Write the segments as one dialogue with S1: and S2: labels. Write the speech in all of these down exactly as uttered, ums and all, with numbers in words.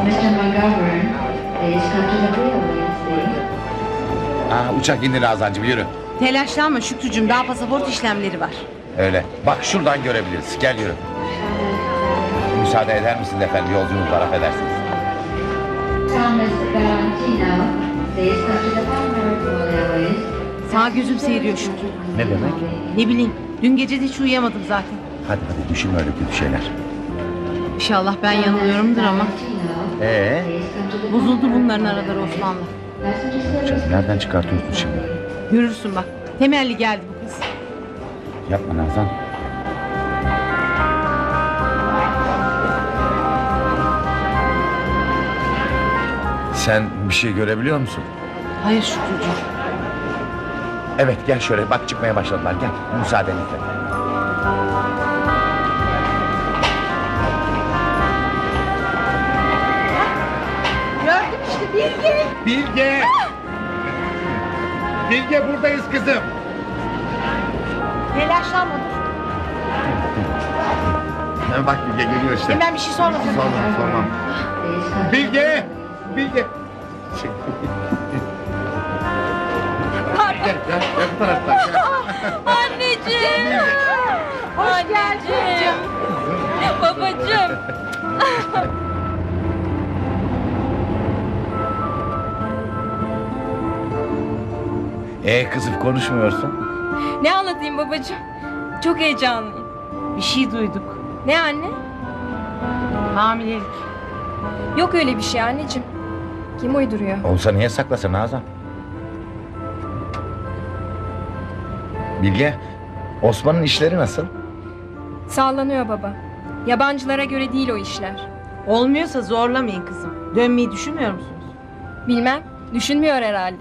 S1: mister McGovern, please come to the wheel, please.
S2: Aa, uçak indi Nazancığım, yürü.
S3: Telaşlanma Şükrücüğüm, daha pasaport işlemleri var.
S2: Öyle. Bak şuradan görebiliriz. Gel yürü. Müsaade eder misin efendim? Yolcumuz var, affedersiniz.
S1: Thomas Valentino, please come to the Palmer Airways.
S3: Sağ gözüm seyiriyor Şükrü.
S2: Ne demek?
S3: Ne bileyim, dün gece de hiç uyuyamadım zaten.
S2: Hadi hadi düşünme öyle kötü şeyler.
S3: İnşallah ben yanılıyorumdur ama.
S2: Ee?
S3: Bozuldu bunların araları Osman'la.
S2: Canım, nereden çıkartıyorsun şimdi?
S3: Görürsün bak, temelli geldi bu kız.
S2: Yapma Nazan. Sen bir şey görebiliyor musun?
S3: Hayır Şükrücüğüm.
S2: Evet, gel şöyle. Bak çıkmaya başladılar. Gel. Müsaadenizle.
S3: Gördüm işte Bilge.
S4: Bilge! Bilge buradayız kızım.
S3: Telaşlanma dur.
S4: Bak Bilge geliyor işte.
S3: Hemen bir şey sorma.
S4: Sormam sormam. Bilge! Bilge! Gel gel gel bu taraftan gel.
S5: Anneciğim.
S3: Hoş geldin.
S5: Babacığım.
S2: Ee kızım, konuşmuyorsun.
S5: Ne anlatayım babacığım? Çok heyecanlıyım.
S3: Bir şey duyduk.
S5: Ne anne?
S3: Hamilelik.
S5: Yok öyle bir şey anneciğim. Kim uyduruyor?
S2: Olsa niye saklasın Nazan? Bilge, Osman'ın işleri nasıl?
S5: Sallanıyor baba. Yabancılara göre değil o işler.
S3: Olmuyorsa zorlamayın kızım. Dönmeyi düşünmüyor musunuz?
S5: Bilmem. Düşünmüyor herhalde.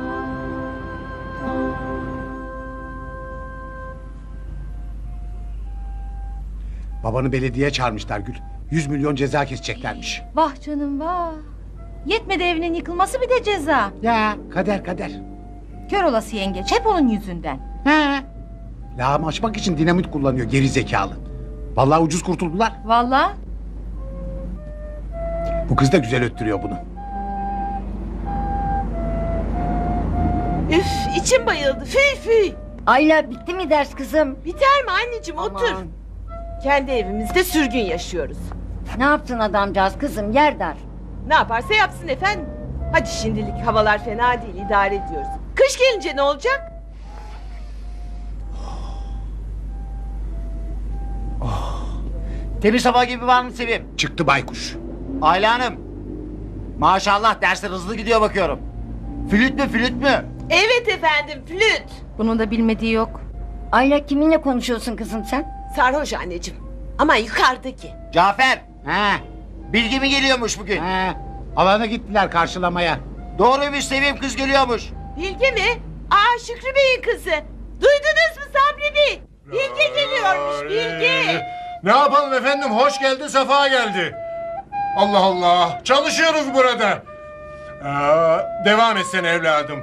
S4: Babanı belediyeye çağırmışlar Gül. Yüz milyon ceza keseceklermiş.
S3: Vah canım vah. Yetmedi evinin yıkılması bir de ceza.
S4: Ya kader kader.
S3: Kör olası yengeç hep onun yüzünden.
S4: He. Lağım açmak için dinamit kullanıyor geri zekalı. Vallahi ucuz kurtuldular.
S3: Vallahi.
S4: Bu kız da güzel öttürüyor bunu.
S6: Üf, içim bayıldı. Fıy fıy.
S7: Ayla bitti mi ders kızım?
S6: Biter mi anneciğim, otur.
S7: Aman.
S6: Kendi evimizde sürgün yaşıyoruz.
S7: Ne yaptın adamcağız kızım, yer dar.
S6: Ne yaparsa yapsın efendim. Hadi şimdilik havalar fena değil, idare ediyoruz. Kış gelince ne olacak?
S8: Temiz hava gibi var mı Sevim?
S4: Çıktı baykuş.
S8: Ayla Hanım. Maşallah dersler hızlı gidiyor bakıyorum. Flüt mü flüt mü?
S6: Evet efendim, flüt.
S3: Bunun da bilmediği yok.
S7: Ayla kiminle konuşuyorsun kızım sen?
S6: Sarhoş anneciğim. Ama yukarıdaki.
S8: Cafer.
S4: He.
S8: Bilgi mi geliyormuş bugün?
S4: He. Alana gittiler karşılamaya.
S8: Doğruymuş Sevim, kız geliyormuş.
S6: Bilge mi? Aa, Şükrü Bey'in kızı. Duydunuz mu Sabri Bey? Bilge geliyormuş, Bilge.
S9: Ne yapalım efendim, hoş geldi, sefa geldi. Allah Allah, çalışıyoruz burada. Aa, devam etsene evladım.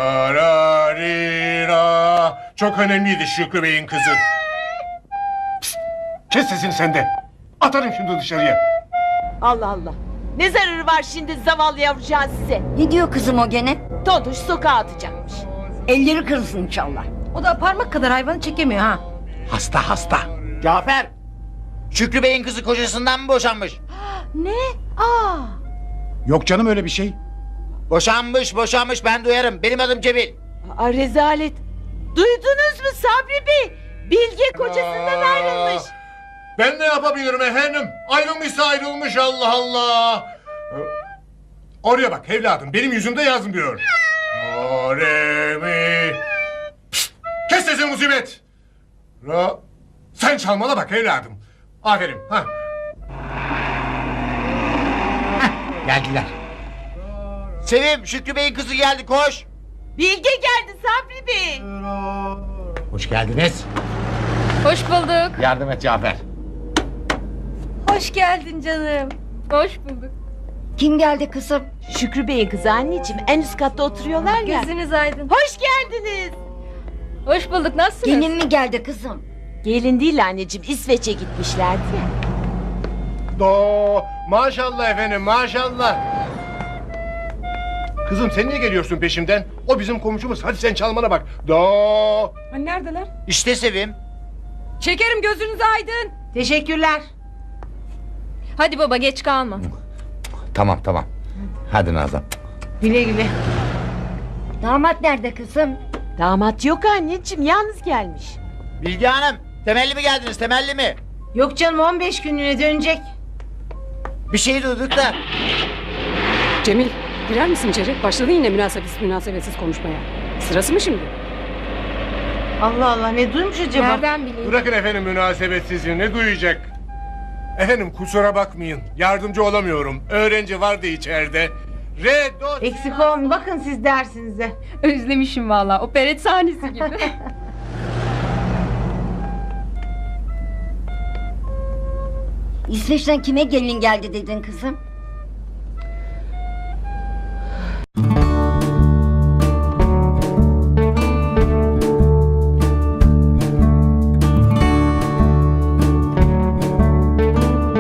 S9: Dararira. Çok önemliydi Şükrü Bey'in kızı.
S4: Pişt, kes sesini sen de. Atarım şimdi dışarıya.
S6: Allah Allah. Ne zararı var şimdi zavallı yavrucağın size?
S7: Ne diyor kızım o gene?
S6: Tontuş sokağa atacakmış.
S7: Elleri kırılsın inşallah.
S3: O da parmak kadar hayvanı çekemiyor ha.
S4: Hasta hasta.
S8: Cafer. Şükrü Bey'in kızı kocasından mı boşanmış?
S3: Ne? Aa.
S4: Yok canım öyle bir şey.
S8: Boşanmış boşanmış, ben duyarım. Benim adım Cemil.
S6: Aa, rezalet. Duydunuz mu Sabri Bey? Bilge kocasından
S9: Aa,
S6: ayrılmış.
S9: Ben ne yapabilirim efendim? Ayrılmışsa ayrılmış, Allah Allah. Oraya bak evladım, benim yüzümde yazmıyor. Do, re, mi. Pişt, kes sesini musibet. Ra. Sen çalmana bak evladım. Aferin. Ha.
S4: Geldiler.
S8: Sevim, Şükrü Bey'in kızı geldi, koş.
S6: Bilge geldi Sabri Bey.
S4: Hoş geldiniz.
S5: Hoş bulduk.
S2: Yardım et Cafer.
S3: Hoş geldin canım.
S5: Hoş bulduk.
S7: Kim geldi kızım?
S6: Şükrü Bey'in kızı anneciğim, en üst katta oturuyorlar ya.
S5: Gözünüz aydın.
S6: Hoş geldiniz.
S5: Hoş bulduk. Nasılsınız?
S7: Gelin mi geldi kızım?
S6: Gelin değil anneciğim, İsveç'e gitmişlerdi ya.
S9: Do maşallah efendim maşallah. Kızım sen niye geliyorsun peşimden? O bizim komşumuz. Hadi sen çalmana bak. Do.
S5: Hani neredeler?
S8: İşte Sevim.
S5: Şekerim gözünüz aydın.
S6: Teşekkürler.
S5: Hadi baba geç kalma.
S2: Tamam tamam. Hadi Nazan.
S6: Güle güle.
S7: Damat nerede kızım?
S6: Damat yok anneciğim, yalnız gelmiş.
S8: Bilge Hanım temelli mi geldiniz temelli mi?
S6: Yok canım, on beş günlüğüne dönecek.
S8: Bir şey duyduk da.
S10: Cemil, girer misin içeri? Başladın yine münasebetsiz münasebetsiz konuşmaya. Sırası mı şimdi?
S6: Allah Allah, ne duymuş acaba?
S5: Nereden bileyim?
S9: Bırakın efendim münasebetsizliği. Ne duyacak? Efendim kusura bakmayın. Yardımcı olamıyorum. Öğrenci vardı içeride. Re, do,
S6: Eksik olmayın, bakın siz dersinize.
S5: Özlemişim valla. Operet sahnesi gibi.
S7: İsveç'ten kime gelin geldi dedin kızım?